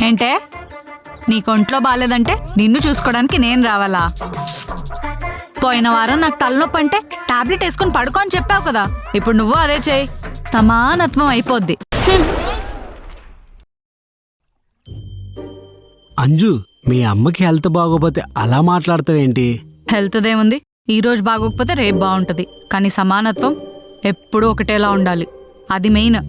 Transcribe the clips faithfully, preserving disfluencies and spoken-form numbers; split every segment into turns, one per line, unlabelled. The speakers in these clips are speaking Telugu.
ఏంటే నీకొంట్లో బాలేదంటే నిన్ను చూసుకోవడానికి నేను రావాలా? పోయిన వారం నాకు తలనొప్పి అంటే టాబ్లెట్ వేసుకుని పడుకో అని చెప్పావు కదా, ఇప్పుడు నువ్వు అదే చేయి, సమానత్వం అయిపోద్ది.
అంజు, మీ అమ్మకి హెల్త్ బాగోపోతే అలా మాట్లాడతావేంటి?
హెల్త్ దేముంది, ఈ రోజు బాగోకపోతే రేపు బాగుంటది, కానీ సమానత్వం ఎప్పుడూ ఒకటేలా ఉండాలి, అది మెయిన్.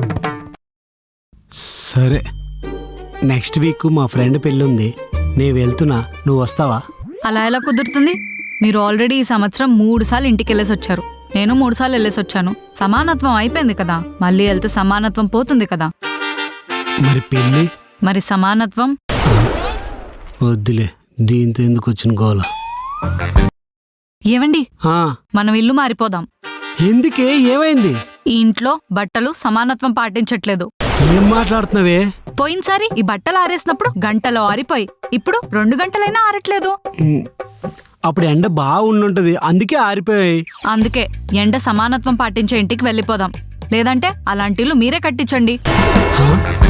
సరే, నెక్స్ట్ వీక్ మా ఫ్రెండ్ పెళ్ళుంది, నేను వెళ్తున్నా, నువ్వు వస్తావా?
అలా ఎలా కుదురుతుంది? మీరు ఆల్రెడీ ఈ సంవత్సరం మూడు సార్లు ఇంటికి వెళ్ళేసి వచ్చారు, నేను మూడు సార్లు వెళ్ళేసి వచ్చాను. సమానత్వం అయిపోయింది కదా, మళ్ళీ వెళ్తే సమానత్వం పోతుంది కదా.
మరి పెళ్ళి?
మరి సమానత్వం
వద్దులే, దీంతో ఎందుకు వచ్చిన గోల.
ఏవండి,
ఆ,
మనం ఇల్లు మారిపోదాం.
ఎందుకే, ఏమైంది?
ఈ ఇంట్లో బట్టలు సమానత్వం పాటించట్లేదు.
ఏం మాట్లాడుతున్నావే?
పోయినసారి ఈ బట్టలు ఆరేసినప్పుడు గంటలో ఆరిపోయి, ఇప్పుడు రెండు గంటలైనా ఆరట్లేదు.
ఉమ్, అప్పుడు ఎండ బాగా ఉండుంటది, అందుకే ఆరిపోయాయి.
అందుకే ఎండ సమానత్వం పాటించే ఇంటికి వెళ్ళిపోదాం, లేదంటే అలాంటి ఇల్లు మీరే కట్టించండి.
హా?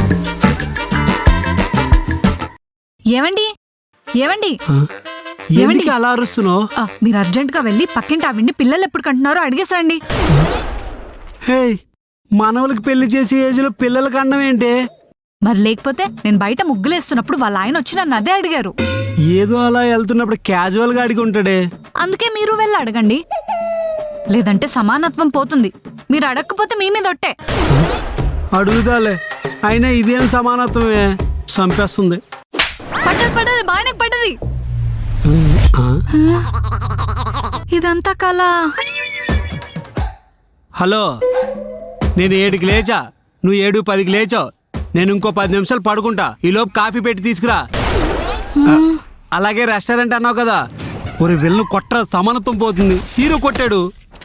ఏవండి ఏవండి
హా? ఎందుకు అలా అరుస్తున్నావు?
ఆ, మీరు అర్జెంట్ గా వెళ్ళి పక్కింటి ఆవిడ్ని పిల్లలు ఎప్పుడు కంటున్నారో అడిగేసండి.
హే, మనవలకి పెళ్లి చేసే ఏజ్ లో పిల్లలకి అన్నం ఏంటి?
మరి లేకపోతే నేను బయట ముగ్గులేస్తున్నప్పుడు వాళ్ళ ఆయన వచ్చి నన్ను అదే అడిగారు.
ఏదో అలా వెళ్తున్నప్పుడు క్యాజువల్ గా అడిగి ఉంటాడే.
అందుకే మీరు వెళ్ళి అడగండి, లేదంటే సమానత్వం పోతుంది. మీరు అడగకపోతే మీ మీద ఒట్టే.
అడుగుదాలే, అయినా ఇదేం సమానత్వమే, చంపేస్తుంది.
పడ్డది పడ్డది బాగానే పడ్డది.
ఆ?
ఇదంతా కళ.
హలో, నేను ఏడుకి లేచా, నువ్వు ఏడు పదికి లేచావు, నేను ఇంకో పది నిమిషాలు పడుకుంటా, ఈలోపు కాఫీ పెట్టి తీసుకురా. అలాగే రెస్టారెంట్ అన్నావు కదా, ఒక వెళ్ళను కొట్ట, సమానత్వం పోతుంది. హీరో కొట్టాడు.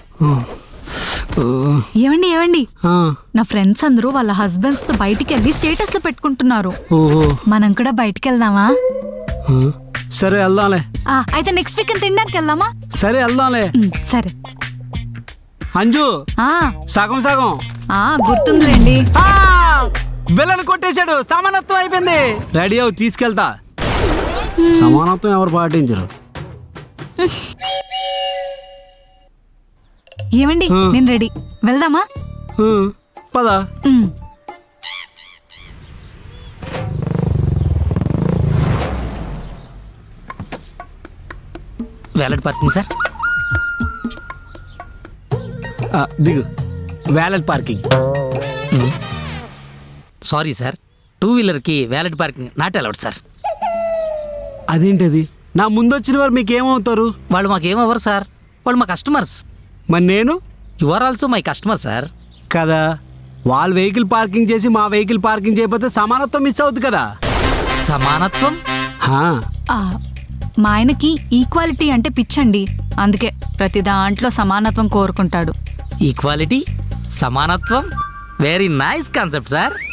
ఏవండి ఏవండి
ఆ,
నా ఫ్రెండ్స్ అందరూ వాళ్ళ హస్బెండ్స్ తో బయటికి వెళ్ళి స్టేటస్ లో పెట్టుకుంటున్నారు.
ఓహో,
మనం కూడా బయటికి వెళ్దామా?
ఆ, సరే వెళ్దాంలే.
ఆ, అయితే నెక్స్ట్ వీక్ తినడానికి వెళ్దామా?
సరే వెళ్దాంలే.
ఉమ్, సరే.
అంజు,
ఆ
సగం సగం.
ఆ గుర్తుందిలేండి.
బిల్లను కొట్టేశాడు, సమానత్వం అయిపోయింది. రెడీ అవు, తీసుకెళ్తా. సమానత్వం ఎవరు పాటించరు.
ఏమండి, నేను రెడీ, వెళ్దామా?
ఆ, పద.
ఉమ్.
Valet parking sir.
ఆ, దిగు. Valet parking.
Sorry sir, two వీలర్కి valet parking not allowed sir.
అదేంటది? నా ముందు వచ్చిన వారు మీకేమవుతారు?
వాళ్ళు మాకేమవ్వరు సార్, వాళ్ళు మా కస్టమర్స్.
మరి నేను?
You are also my customer sir.
కదా, వాళ్ళ వెహికల్ పార్కింగ్ చేసి మా వెహికల్ పార్కింగ్ చేయకపోతే సమానత్వం మిస్ అవుతుంది కదా.
సమానత్వం?
హా.
ఆ, మా ఆయనకి ఈక్వాలిటీ అంటే పిచ్చండి, అందుకే ప్రతి దాంట్లో సమానత్వం కోరుకుంటాడు.
ఈక్వాలిటీ, సమానత్వం, వెరీ నైస్ కాన్సెప్ట్ సార్.